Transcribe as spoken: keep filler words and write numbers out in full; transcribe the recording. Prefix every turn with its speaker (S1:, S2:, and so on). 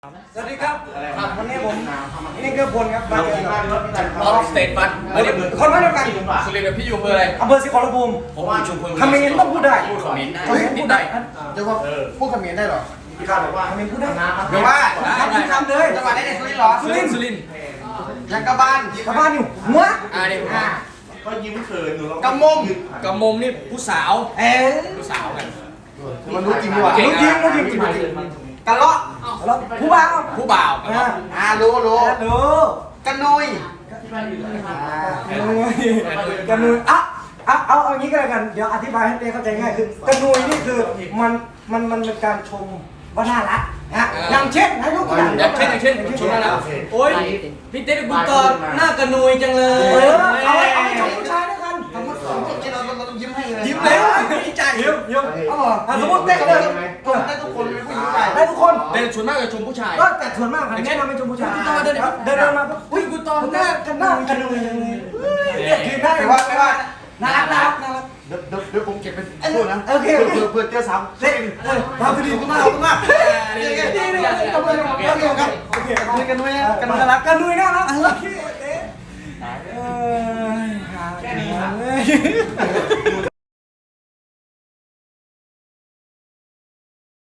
S1: สวัสดีครับวันนี้ผมนี่คือพลครับมาเจอกับ
S2: รอบสเตทฟันเฮ้ย
S1: คนมาเดียวกัน
S2: สุรินทร์กับพี่ยูเบอร์อะไร
S1: อำเภอศรีขอรภูมิ
S2: ผมว่าชุมพล
S1: คำเมนต้องพูดได้
S2: พูดคอมเมนต์ได้
S1: คำเมน
S2: นิ
S1: พู
S2: ด
S1: ด
S2: หน่
S1: ได้
S2: อย
S3: จะว่าพูดคำเขมรได้หรอ
S1: พี่ข้าบอกว่าคำเมนพูดได้
S3: เดี๋ยวว่า
S1: คำพูดคำเลย
S3: จังหวัดได้ในสุรินทร์หรอ
S2: สุรินทร์สุรินทร์
S3: ยังกระบาน
S1: ชาวบ้านอยู่หัว
S2: อ่าเนี่ย
S4: ก็ยิ้มเขินหนูลอง
S3: กระมม
S2: กระมมนี่ผู้สาว
S1: เอ๊ะ
S2: ผู้สาวกัน
S3: มันรู้จริงดีกว่า
S1: รู้จริงรู้จริงจริง
S3: กระเลาะ
S1: แล้วผู้บ่าว
S2: ผู้บ่าว
S1: อ่า
S3: อ่ารู้รู้
S1: รู้
S3: กระนุย
S1: กระนุยอ่ะเอาเอาเอางี้ก็แล้วกันเดี๋ยวอธิบายให้เต้เข้าใจง่ายคือกระนุยนี่คือมันมันมันเป็นการชมว่าน่ารักนะอย่างเช่นนะยกตัวอย่าง
S2: อย่างเช่นอย่างเช่นชมน่ารักโอ้ยพี่เต้บุญกรหน้ากระนุยจังเล
S1: เอย อเอาไว้เอาไว้ชมผู้ชายด้วยกัน
S3: สมมติสมมติเราเราต้องยิ้มให้เลย
S1: ยิ้มแล้วดีใจยิ้มยิ้มเอาเหรอสมมติเต้เลย
S3: ได้ทุกคนเป็นผู้หญิงใหญ่
S1: ได้ทุกคน
S2: แต่ส่วนมากจะชมผู้ชาย
S1: ก็แต่ส่วนมากแนะนำเป็นชมผู้ชายเดินเดินมาปุ๊บอุ้ยกูตอนหน้ากันหน้ากันเลยเนี่ยคือหน้า
S3: ไม่ว่าไม่ว่า
S1: น่ารักน่ารักน่ารัก
S3: เดี๋ยวเดี๋ยวเดี๋ยวผมเก็บเป็นพูดนะ
S1: โอเคโอเค
S3: เพื่อเพื่อเจ้าสาว
S1: เต้เออทำดีมากมากนี่นี่นี่ทำเลยทำเลยครับโอเค
S3: กระนุยกระนุยกระนุย
S1: น่า
S3: น่า
S1: รั
S3: รั
S1: ก
S3: ก
S1: กันด้วยน่ารักโอเคเต้เออ
S4: แค่นี้ครับ
S1: เลย
S4: หนู